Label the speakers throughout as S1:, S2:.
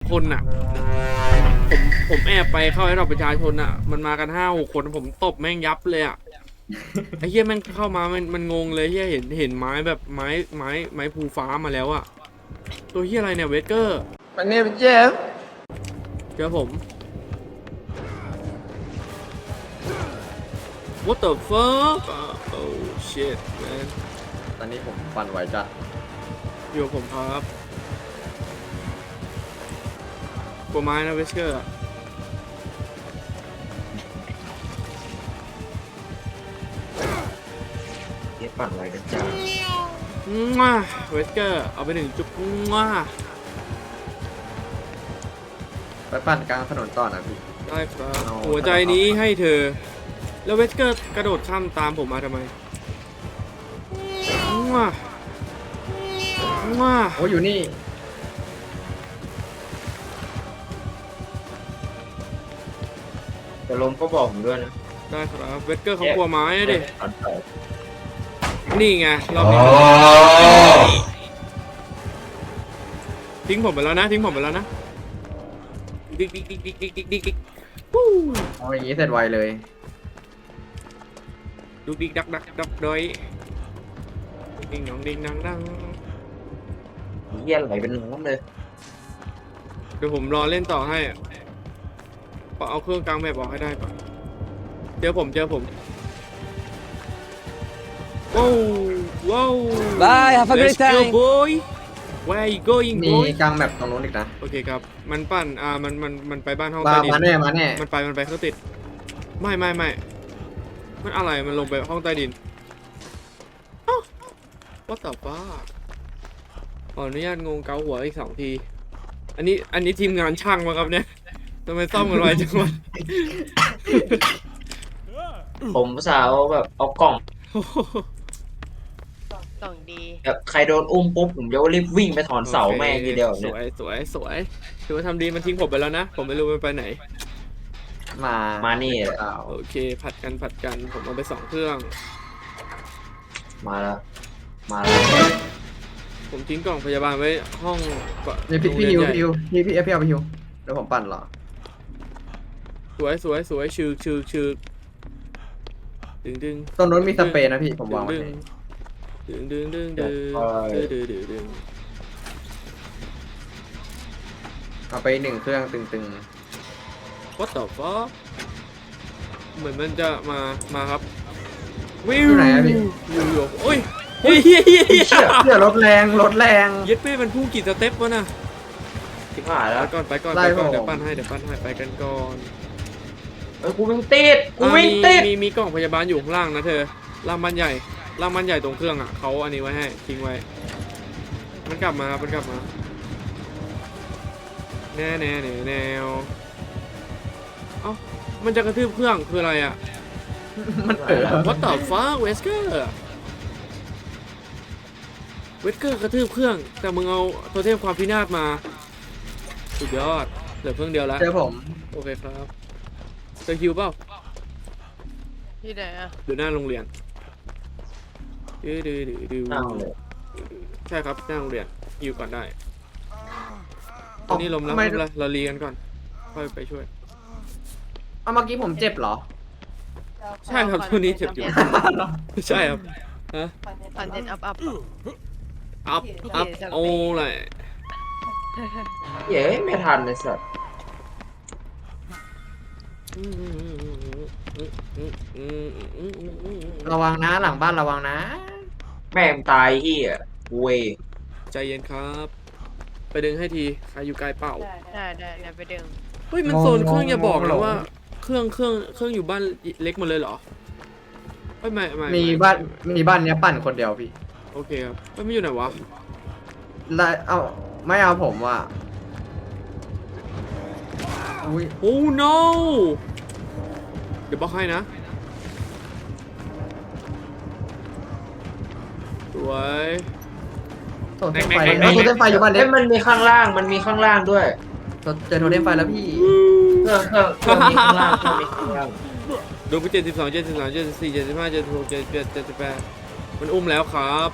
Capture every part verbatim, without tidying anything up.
S1: คนอ่ะผมผมแอบไปเข้าให้เราประชาชนอ่ะมันมากันห้าหกคนผมตบแม่งยับเลยอ่ะไอ้เหี้ยแม่งเข้ามามันมันงงเลยเหี้ยเห็นเห็นไม้แบบไม้ไม้ไม้ภูฟ้ามาแล้วอ่ะตัวเหี้ยอะไรเนี่ยเวเกอร์
S2: My name is Jeff
S1: เจอผม What the fuck oh shit man
S2: ตอนนี้ผมปั่นไหวจัด
S1: อยู่กับผมครับกลัวไม้นะเวสเกอร์อะ
S3: เย็บปั่นไว้กันจ้า
S1: มาเวสเกอร์เอาไปหนึ่งจุ๊บมา
S2: ไปปั่นกลางถนนต่อนะพี่
S1: ได้ครับ
S2: เอา
S1: หัวใจนี้ให้เธอ แล้วเวสเกอร์กระโดดข้ามตามผมมาทำไมมามา
S2: โอ้อยู่นี่
S3: จะล้มก็บอกผมด้วยนะ
S1: ได้ครับเวสเกอร์เขากลัวไม้อะดิ
S3: ตัดไป
S1: นี่ไงเรามีทิ้งผมไปแล้วนะทิ้งผมไปแล้วนะดิ๊กดิ๊กดิ๊กดิ๊กดิ๊กดิ๊กดิ๊กดิ๊กวู้
S2: เอาอย่างนี้เสร็จไวเลย
S1: ดุ๊กดิ๊กดักดักดักดอยดิ้งดองดิ้งดังดัง
S3: เยี่ยไหลเป็นน้ำเลย
S1: เดี๋ยวผมรอเล่นต่อให้เอาเครื่องกลางแมปออกให้ได้ก่อนเจอผมเจอผมว้าวว้าว
S4: Bye, have a great
S1: Let's go
S4: time.
S1: boy Where are you going
S2: มี
S1: boy
S2: กลางแมปตรงนู้นอีกนะ
S1: โอเคครับมันปั่นอ่ามันมันมันไปบ้านห้อง
S2: มา
S1: ใต้ดิน
S2: มาแน่มาแน่
S1: มันไปมันไปเครื่องติดไม่ไม่ไม่มันอะไรมันลงไปห้องใต้ดินอ้าวว่าแต่ป้าขออนุญาตงงเกาหัวอีกสองทีอันนี้อันนี้ทีมงานช่างมาครับเนี่ยทำไมซ่อมกันไวจังวะ
S3: ผมสาวแบบเอากล่อง
S5: กล่องดี
S3: แบบใครโดนอุ้มปุ๊บผมจะรีบวิ่งไปถอนเสาแม่งทีเดียว
S1: ส
S3: เนี่ย
S1: วยสวยสวยถือว่าทำดีมันทิ้งผมไปแล้วนะผมไม่รู้มันไปไหน
S2: มา
S3: มา
S2: มา
S3: นี่แหละ
S1: โอเคผัดกันผัดกันผมเอาไปสองเครื่อง
S3: มาแล้วมาแล้ว
S1: ผมทิ้งกล่องพยาบาลไว้ห้อง
S2: นี่พี่พี่
S1: โรง
S2: ฮิว
S1: เรียนใหญ่
S2: พี่ฮิวพี่พี่เอฟพี่เอาไปฮิวเดี๋ยวผมปั่นเหรอ
S1: สวยสวยสวยชือชือชือดึงดึง
S2: ตรงนู้นมีสเปรย์นะพี่ผมวางไว้
S1: ดึงดึงดึงดึงดึงดึงดึงดึง
S2: เอาไปหนึ่งเครื่องตึง
S1: What the fuck เหมือนมันจะมามาครับวิว
S2: อยู่ไหนอะพี่
S1: อยู่อยู่โอ้ยเฮ้ยเฮ้ยเฮ้ย
S2: ๆเชี่ยเชี่ยรถแรงรถแรง
S1: เย็ดเป้มันพุ่งกี่สเต็ปวะน่ะ
S3: ที่ผ่าน
S1: ไป
S3: แล้ว
S1: ก่อนไปก่อน
S2: ไล่
S1: ไปก่อน
S2: ผม
S1: เดี๋ยวปั้นให้เดี๋ยวปั้นให้ไปกันก่อน
S3: เอ้ยกูวิ่งติดกู
S1: อ่ะ
S3: วิ่ง
S1: มี
S3: ติด
S1: มีมีกล่องพยาบาลอยู่ข้างล่างนะเธอล่างบ้านใหญ่ล่างบ้านใหญ่ตรงเครื่องอ่ะเขาอันนี้ไว้ให้ทิ้งไว้ มันกลับมาครับมันกลับมาแน่แน่แน่แนวเอ้ามันจะกระทืบเครื่องคืออะไรอ่ะ
S2: มันเออ
S1: What the fuck เวสเกอร์เวสเกอร์กระทืบเครื่องแต่มึงเอาโทเทมความพินาศมาสุดยอดเหลือเครื่องเดียวแล้ว
S2: เจอผม
S1: โอเคครับเจอคิวเปล่า
S5: ที่ไหนอ่ะ
S1: อยู่หน้าโรงเรียนดื้อดื้อดื้อดื้อ
S3: นั่งเลย
S1: ใช่ครับหน้าโรงเรียนคิวก่อนได้ตอนนี้ลมแล้วไม่เป็นไรเรารีกันก่อนค่อยไปช่วย
S2: เอาเมื่อกี้ผมเจ็บเหรอ
S1: ใช่ครับตัวนี้เจ็บอยู่ใช่ครับฮะ
S5: คอนเทนต์อัพอัพ
S1: อัพอัพโอ้เลย
S3: เย้ไม่ทันเลยสัตว์
S2: ระวังนะหลังบ้านระวังนะ
S3: แม่งตายเฮียเวย
S1: ใจเย็นครับ ไปดึงให้ทีใครอยู่ไกลเปล่า
S5: ได้ได้เดี๋ยวไปดึง
S1: เฮ้ยมันโซนเครื่องอย่าบอกนะว่าเครื่องเครื่องเครื่องอยู่บ้านเล็กหมดเลยเหรอไม่ไม่ไม่
S2: มีบ้านมีบ้านเนี้ยปั่นคนเดียวพี่
S1: โอเคครับไม่ไม่อยู่ไหนวะ
S2: แล้วเอาไม่เอาผมว่ะอุ้ย
S1: โอ้ no เดี๋ยวบล็อกให้นะสวย
S2: โทเทมไฟ
S1: แม็กแม็
S2: เอา
S1: ก
S2: โทเทมไฟอยู่บ้านเล็
S3: เอ้
S2: ก
S3: ยมันมีข้างล่างมันมีข้างล่างด้วย
S2: เจอโทเทมไฟแล้วพี่
S3: เครื่องเครื่องเครื่องมีข้างล่างเครื่องมีข้างล่าง
S1: โดนไปเจ็ดสิบสองเจ็ดสิบสามเจ็ดสิบสี่เจ็ดสิบห้าเจ็ดสิบหกเจ็ดสิบเจ็ดเจ็ดสิบแปดมันอุ้มแล้วครับ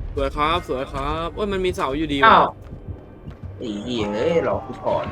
S1: สวยครับสวยครับโอ้ยมันมีเสาอยู่ดี
S3: อ้า
S1: ว่ะ
S3: วไอ้เหี้ยเอ้ยรอกูก่อน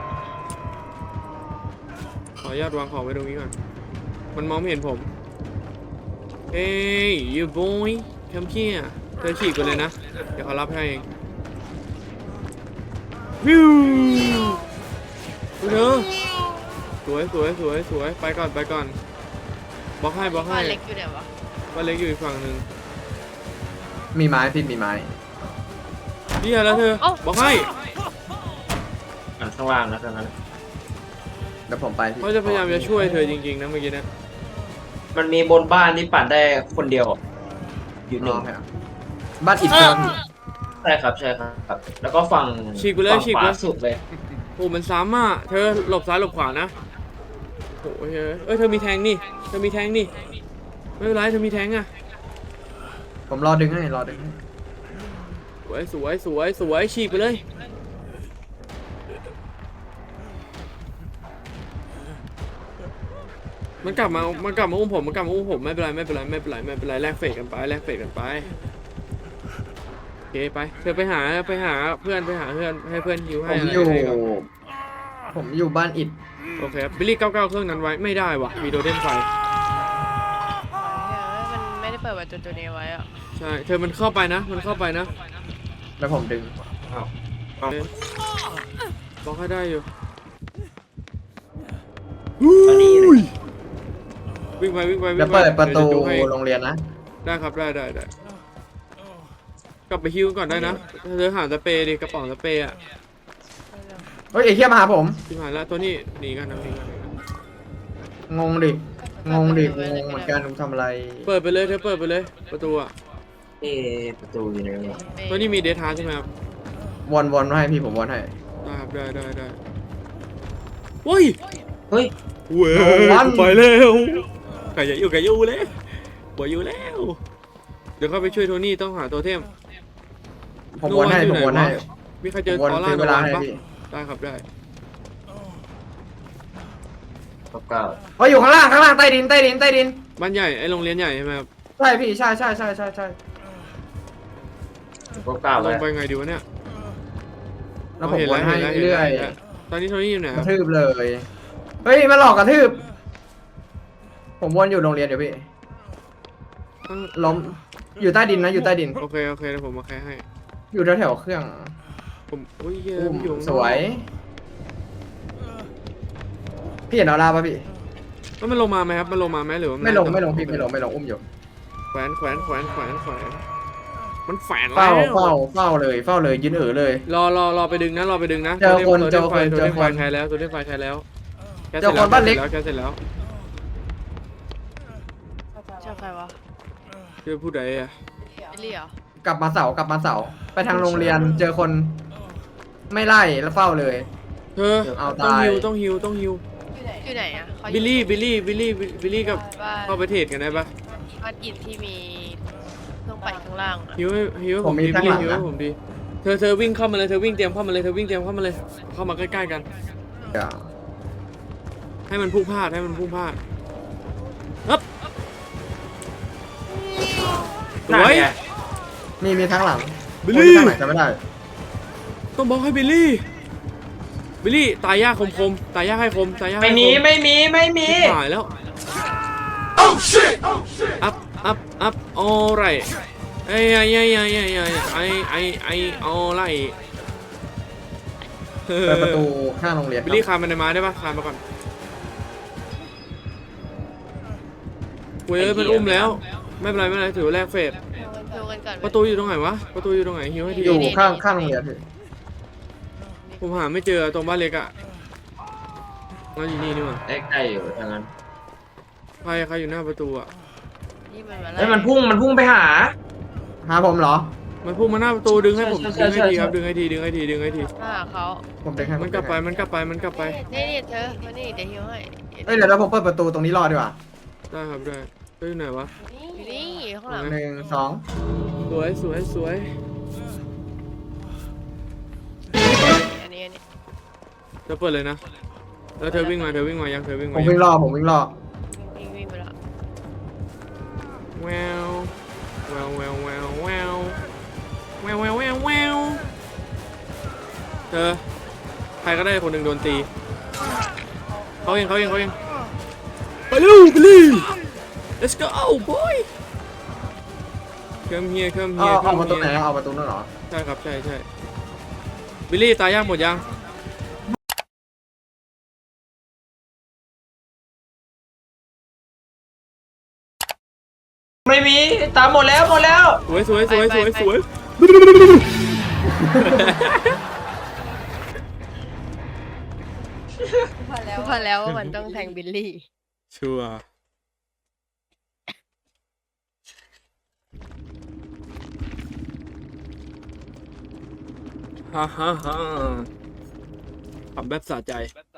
S1: ขออนุญาตวางของไว้ตรงนี้ก่อนมันมองไม่เห็นผมเฮ้ย you boy come here เธอฉีกไปเลยนะเดี๋ยวเขารับให้เองวิวเธอสวยสวยสวยสวยไปก่อนไปก่อนบล็อกให้บล็อกให้
S5: บ้านเล็กอยู่ไหนวะ
S1: บ้านเล็กอยู่อีกฝั่งหนึ่ง
S2: มีไม้พี่มีไม้
S1: นี่แล้วเธอบอกให้
S3: อันข้างล่างนะตอนนั้น
S2: เดี๋ยวผมไปพี่
S1: เขาจะพยายามจะช่วยเธอจริงๆนะเมื่อกี้นะ
S3: มันมีบนบ้านที่ปั่นได้คนเดียวอยู่ห
S2: น้
S3: นึ่
S2: อง งครับบ้านอิฐเจอพี่
S3: ใช่ครับใช่ครับ แล้วก็ฝั่ง
S1: ฉีกไปเลย
S3: ฝั่ง
S1: ฉีก
S3: ข
S1: ไป
S3: วาสุดเลย
S1: โอ้มันซ้ำอ่ะเธอหลบซ้ายหลบขวานะโอ้ยเฮ้ยเอ้ยเธอมีแทงนี่เธอมีแทงนี่ไม่เป็นไรเธอมีแทงอ่ะ
S2: ผมรอดึงให้รอดึงให้
S1: สวยสวยสวยสวยฉีกไปเลยมันกลับมามันกลับมาอุ้มผมมันกลับมาอุ้มผมไม่เป็นไรไม่เป็นไรไม่เป็นไรไม่เป็นไรแลกเฟกกันไปแลกเฟกกันไปโอเคไปเธอไปหาไปหาเพื่อนไปหาเพื่อนให้เพื่อนฮิว
S2: ผ
S1: ให้
S2: ม
S1: อะไร
S2: อยู่
S1: ให้ก่อน
S2: ผมอยู่บ้านอิฐ
S1: โอเคครับบิลลี่เก้าเก้าเครื่องนั้นไว้ไม่ได้วะมีโดเทมไฟ
S5: เฮ้ยมันไม่ได้เปิดประตูตัวนี้ไว้อะ
S1: ใช่เธอมันเข้าไปนะมันเข้าไปนะ
S2: แล้วผมดึง
S3: อ้าว
S1: โอเคบล็อกให้ได้อยู่
S3: ตอนนี้เลย
S1: วิ่งไปวิ่งไปวิ่ง
S2: จะ
S1: ไป
S2: เปิดประตู
S1: เดี๋ยวจดูให้
S2: โรงเรียนนะ
S1: ได้ครับได้ได้ได้กลับไปฮิวก่อนได้นะเธอหาสเปรย์ดิกระป๋องสเปรย์อะ
S2: เฮ้ยไอ้เหี้ยมาหาผม
S1: ที่ผ่านแล้วตัวนี้หนีกันนะหนีกันหนีกัน
S2: งงดิ งงดิ งงเหมือนกันผมทำอะไร
S1: เปิดไปเลยเธอเปิดไปเลยประตูอะ
S3: เอ๊ะประตูอยู่ไหนวะ
S1: ตัวนี้มีเดทาใช่ไหมครับ
S2: วนวนให้พี่ผมวนให้
S1: ได้ครับได้ได้ได้โอ้ย
S3: เฮ้ย
S1: เว้ย
S2: วัน
S1: ไปแล้วไก่อย่าอยู่ไก่อยู่เลยบ่อยู่แล้วเดี๋ยวเข้าไปช่วยโทนี่ต้องหาตัวเทม
S2: ผมวนให้
S1: ดู
S2: ผม
S1: ว่าอยู่
S2: วน
S1: ไหน
S2: ให้
S1: วะ มีใครเจ
S2: ผ
S1: อ
S2: มวน
S1: ออร่า
S2: ซื้อ
S1: โน
S2: เวลา
S1: วัน
S2: ให้
S1: ปะ
S2: พี่
S1: ได้ครับได้
S3: เก้าเก้า
S2: เฮ้ยอยู่ข้างล่างข้างล่างใต้ดินใต้ดินใต้ดิน
S1: บ้านใหญ่ไอโรงเรียนใหญ่ใช่ไหมครับ
S2: ใช่พี่ใช่ใช่ใช่ใช่ใช่
S3: เก้าเก้า
S1: ล
S3: ไว้
S1: งไปไงดีวะเนี่ย
S2: แล้วผม
S1: เห็น
S2: วนให้
S1: เห็นแล้ว
S2: เรื่อย
S1: ห็นแล้วตอนนี้โทนี่อยู่ไหน
S2: ก
S1: ครั
S2: ระ
S1: บ
S2: ทืบเลย เฮ้ยมาหลอกกระทืบ ผมวนอยู่โรงเรียนเดี๋ยวพี่
S1: ตั้ง
S2: ล้ม อยู่ใต้ดินนะอยู่ใต้ดิน
S1: โอเคโอเคเดี๋ยวผมมาแค่ให้
S2: อยู่แถวๆเครื่อง
S1: ผมอุ้ยเหี้ย
S2: อุ้ม
S1: อยู่ข้างนอก
S2: สวย พี่เห็นออร่าป่ะพี่
S1: แล้วมันลงมาไหมครับมันลงมาไหมหรือว่ามัน
S2: ไม่ลง
S1: น่าจะ
S2: ไม่ลงพี่ไม่ลงไม่ลงอุ้มอยู่
S1: แขวนแขวนแขวนแขวนแขวนมันแฝงแล้
S2: เฝ้าว เฝ้าเฝ้าเลยเฝ้าเลยยืนเอ๋อเลย
S1: รอรอรอไปดึงนะรอไปดึงนะ
S2: เจอคน
S1: ตัว
S2: เจอ
S1: ไฟ
S2: คน
S1: ตัว
S2: เจอ
S1: ไฟ
S2: คน
S1: ใครแล้วตัวไฟใครแล้วแก
S2: เจอคนบ้านเล็ก
S1: แกเสร็จแล้ว
S5: เจ้าใครวะ
S1: คือผู้ใดอะ
S5: บิลลี่เหรอก
S2: ลับมาเสากลับมาเสาไปทางโรงเรียนเจอคนไม่ไล่แล้วเฝ้าเลย
S1: เธอ
S2: เอา
S1: ต้อง
S2: ตาย
S1: ฮิวต้องฮิวต้องฮิว
S5: อยู่ไหนอะเขาอยู่
S1: บิลลี่บิลลี่บิลลี่บิลลี่กับ
S5: บ้าน
S1: เข้าไปเทรดกันได้ปะ
S5: บ้านอิฐที่มีเครื่องปั่นข้างล่างอะ
S1: ฮิวให้ฮิวให้
S2: ผ
S1: ผม ม
S2: มี
S1: ดี
S2: ข้าง
S1: บิล
S2: หลั
S1: ลี่
S2: ง
S1: ฮิวให้
S2: นะ
S1: ผมดีเธอเธอวิ่งเข้ามาเลยเธอวิ่งเตรียมเข้ามาเลยเธอวิ่งเตรียมเข้ามาเลย เข้ามาใกล้ๆกัน
S2: เดี๋ยว
S1: ให้มันพุ่งพลาดให้มันพุ่งพลาดฮึบส
S3: หน้า
S1: วย
S3: เนี่ย
S2: มีมีทั้งหลัง
S1: บิล
S2: โอ้ย
S1: ลี่
S2: ทางไหนจะไม่ได้
S1: ต้องบอกให้บิลลี่บิลลี่ตายยากคมคมๆตายยากให้คมตายยาก
S3: ไม่
S1: ให้ค
S3: มี
S1: ม
S3: ไม่มีไม่มี
S1: หายแล้วอัพอัพอัพ alright ไอ้ไอ้ไอ้ไอ้ไอ้ไอ้ไอ้ไอ้ไอ้ alright เออ
S2: เปิดประตูข้างโรงเรียนค
S1: บิล
S2: รับ
S1: ลี่คานมันในไม้ได้ปะคานมาก่อนเว้ยมันอุ้มแล้วไม่เป็นไรไม่เป็นไรถือว่าแลกเฟส
S5: ดูกันก่อนไหม
S1: ประตูอยู่ตรงไหนวะประตูอยู่ตรงไหนฮิวให้ที
S2: อยู่ข้างข้างโรงเรียนพี่
S1: ผมหาไม่เจอตรงบ้านเล็กอะงั้นอยู่นี่นี่หว่า
S3: ใกล้ๆอยู่ทางนั้น
S1: ใครใครอยู่หน้าประตูอะ
S5: นี่มันมาไล่
S3: เฮ้ยมันพุ่งมันพุ่งไปหา
S2: หาผมเหรอ
S1: มันพุ่งมาหน้าประตูดึงให้ผม
S3: ใช่
S1: ดึง
S3: ใช่
S1: ให้ที
S3: ใช่
S1: ครับดึงให้ทีดึงให้ทีดึงให้ที
S5: มาหาเขา
S2: ผมเด็กให้
S1: มันกลับไปมันกลับไปมันกลับไป
S5: นี่นี่เธอมานี่เดี๋ยวฮิวให้
S2: เอ้ยเดี๋ยวเราผมเปิดประตูตรงนี้รอดีกว่า
S1: ได้ครับได้เฮ้ยอยู่ไหนวะ
S5: อยู่นี่ข้างหลัง
S2: หนึ่งสอง
S1: สวยสวยสวย
S5: อันนี้อันนี้
S1: เธอเปิดเลยนะแล้วเธอวิ่งมาเธอวิ่งมายังเธอวิ่ง
S2: ผม
S1: มายั
S2: วิ่
S1: ง
S2: งรอผมวิ่งรอ
S5: วิ่งวิ่งไปแล้ว
S1: แววแววแววแววแววเธอใครก็ได้คนหนึ่งโดนตีเขาเองเขาเองเขาเองไปเร็วไปเลย let's go boy come here come
S2: เอา
S1: here
S2: เอา
S1: come
S2: ประตูไหน
S1: here
S2: เอาประตูนั่นเหรอ
S1: ใช่ครับใช่ใช่บิลลี่ตายย่างหมดยัง
S3: ไม่มีตามหมดแล้วหมดแล้ว
S1: สวยสวยสวยสวยสวย
S5: พอแล้วพอแล้วว่ามันต้องแทงบิลลี่
S1: ชัวร์ฮ่าฮ่าฮ่าทำแบบสะใจ